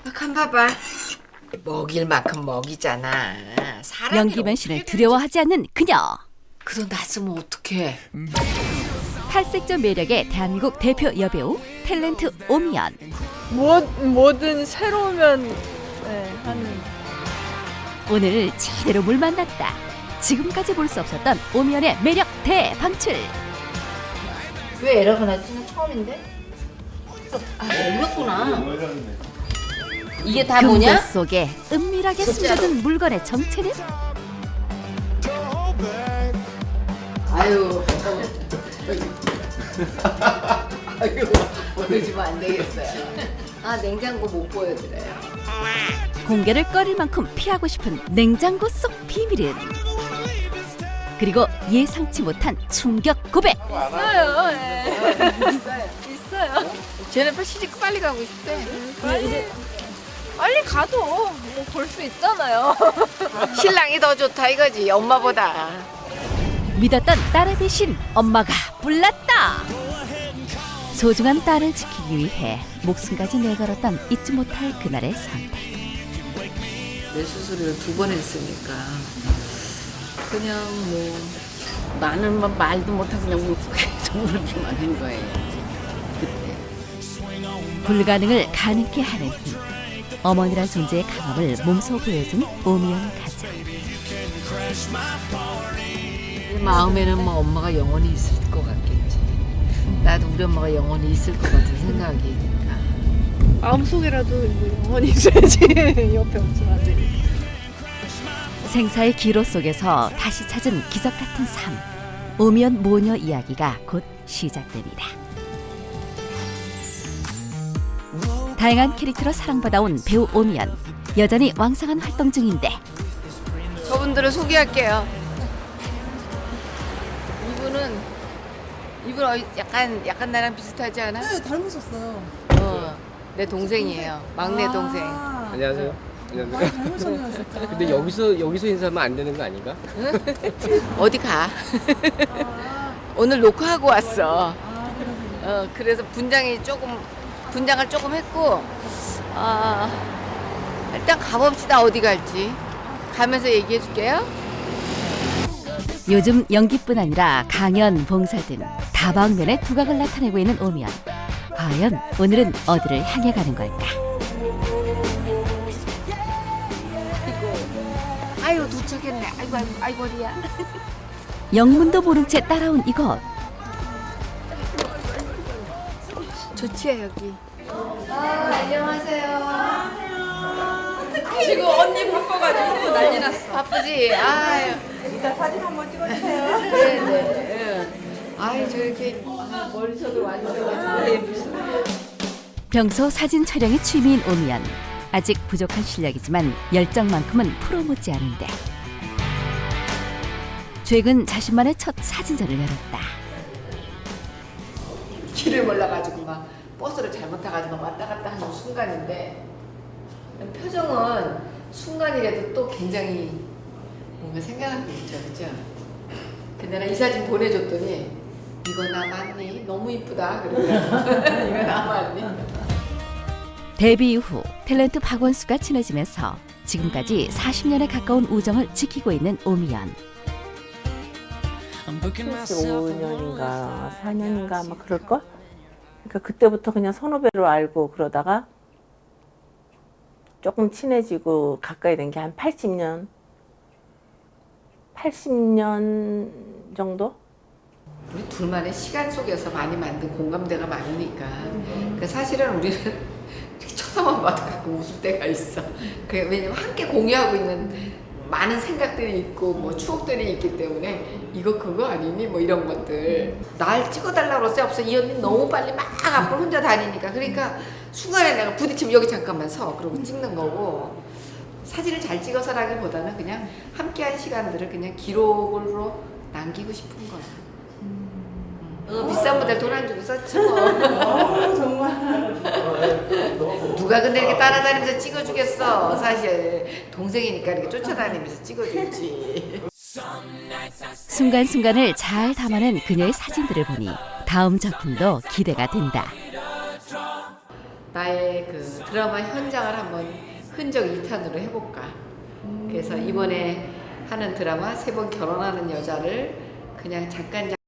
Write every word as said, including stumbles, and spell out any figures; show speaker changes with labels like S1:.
S1: 간 봐봐. 먹일 만큼 먹이잖아. 사람이
S2: 연기만 씨를 두려워하지 않는 그녀.
S1: 그 돈 다 쓰면 어떡해.
S2: 탈색조 매력의 대한민국 대표 여배우 탤런트 오미연.
S3: 뭐, 뭐든 새로우면 네, 하는.
S2: 오늘 제대로 물 만났다. 지금까지 볼 수 없었던 오미연의 매력 대방출.
S1: 왜 에러가 났지? 나 처음인데? 아, 열렸구나. 이게 다
S2: 금고
S1: 뭐냐?
S2: 속에 은밀하게
S1: 진짜로.
S2: 숨겨둔 물건의 정체는?
S1: 아유. 아유, 보여주면 안 되겠어요. 아, 냉장고 못 보여드려요.
S2: 공개를 꺼릴 만큼 피하고 싶은 냉장고 속 비밀은? 그리고 예상치 못한 충격 고백.
S3: 있어요. 예. 있어요. 있어요.
S1: 쟤네 빨리 시집 빨리 가고 싶대.
S3: 빨리, 빨리 가도 뭐 볼 수 있잖아요.
S1: 신랑이 더 좋다 이거지, 엄마보다.
S2: 믿었던 딸의 대신 엄마가 불났다. 소중한 딸을 지키기 위해 목숨까지 내걸었던 잊지 못할 그날의 선택.
S1: 내 수술을 두 번 했으니까 그냥 뭐 나는 막 말도 못하고 그냥 울고 계속 울기만 한 거예요. 그때.
S2: 불가능을 가능케 하는 힘. 어머니란 존재의 강함을 몸소 보여준 오미연 가장.
S1: 내 마음에는 뭐 엄마가 영원히 있을 것 같겠지. 나도 우리 엄마가 영원히 있을 것 같은 생각이니까.
S3: 마음속이라도 뭐 영원히 있어야지. 옆에 없으면 안 되니까.
S2: 생사의 기로 속에서 다시 찾은 기적 같은 삶. 오미연 모녀 이야기가 곧 시작됩니다. 다양한 캐릭터로 사랑받아온 배우 오미연. 여전히 왕성한 활동 중인데
S1: 저분들을 소개할게요. 이분은 이분 어, 약간 약간 나랑 비슷하지 않아?
S4: 네, 닮으셨어요.
S1: 어, 내 동생이에요. 막내 동생.
S4: 아,
S5: 안녕하세요.
S4: 많이
S5: 안녕하세요.
S4: 닮으셨네요, 진짜.
S5: 근데 여기서 여기서 인사하면 안 되는 거 아닌가?
S1: 어디 가?
S4: 아,
S1: 오늘 녹화하고 왔어.
S4: 아, 그러세요.
S1: 어, 그래서 분장이 조금 분장을 조금 했고, 아 일단 가봅시다. 어디 갈지 가면서 얘기해 줄게요.
S2: 요즘 연기뿐 아니라 강연, 봉사 등 다방면의 두각을 나타내고 있는 오미연. 과연 오늘은 어디를 향해 가는 걸까?
S1: 아유 도착했네. 아이고 아이고 아이고 리야.
S2: 영문도 모른 채 따라온 이곳.
S1: 좋지요 여기. 아 안녕하세요.
S3: 지금 언니 바빠가지고 난리 났어.
S1: 바쁘지? 아유.
S4: 일단 사진 한번 찍어주세요.
S1: 네네. 아유 저렇게 아, 머리속으로 와주셔가지고 예쁘시네.
S2: 평소 사진 촬영이 취미인 오미연. 아직 부족한 실력이지만 열정만큼은 프로 못지않은데. 최근 자신만의 첫 사진전을 열었다.
S1: 길을 몰라가지고 막 버스를 잘못 타가지고 막 왔다 갔다 하는 순간인데 표정은 순간이라도 또 굉장히 뭔가 생각하고 있죠, 그죠? 근데 나 이 사진 보내줬더니 이거 나 맞니? 너무 이쁘다 그러더라고. 이거 나 맞니?
S2: 데뷔 이후 탤런트 박원수가 친해지면서 지금까지 사십 년에 가까운 우정을 지키고 있는 오미연.
S6: 칠십오 년인가 사 년인가 아마 그럴걸? 그러니까 그때부터 그냥 선후배로 알고 그러다가 조금 친해지고 가까이 된 게 한 팔십 년? 팔십 년 정도?
S1: 우리 둘만의 시간 속에서 많이 만든 공감대가 많으니까 그 사실은 우리는 이렇게 쳐다만 봐도 가끔 웃을 때가 있어. 그 왜냐면 함께 공유하고 있는 많은 생각들이 있고 뭐 추억들이 있기 때문에 이거 그거 아니니 뭐 이런 것들 날 찍어달라고 그랬어요. 없어. 이 언니 너무 빨리 막 앞으로 혼자 다니니까 그러니까 순간에 내가 부딪히면 여기 잠깐만 서 그러고 찍는 거고 사진을 잘 찍어서라기보다는 그냥 함께한 시간들을 그냥 기록으로 남기고 싶은 거야. 어, 비싼 모델 돈 안 주고 썼지 뭐.
S4: 어, 정말.
S1: 누가 근데 이렇게 따라다니면서 찍어주겠어. 사실 동생이니까 이렇게 쫓아다니면서 찍어주지.
S2: 순간순간을 잘 담아낸 그녀의 사진들을 보니 다음 작품도 기대가 된다.
S1: 나의 그 드라마 현장을 한번 흔적 이 탄으로 해볼까. 그래서 이번에 하는 드라마 세 번 결혼하는 여자를 그냥 잠깐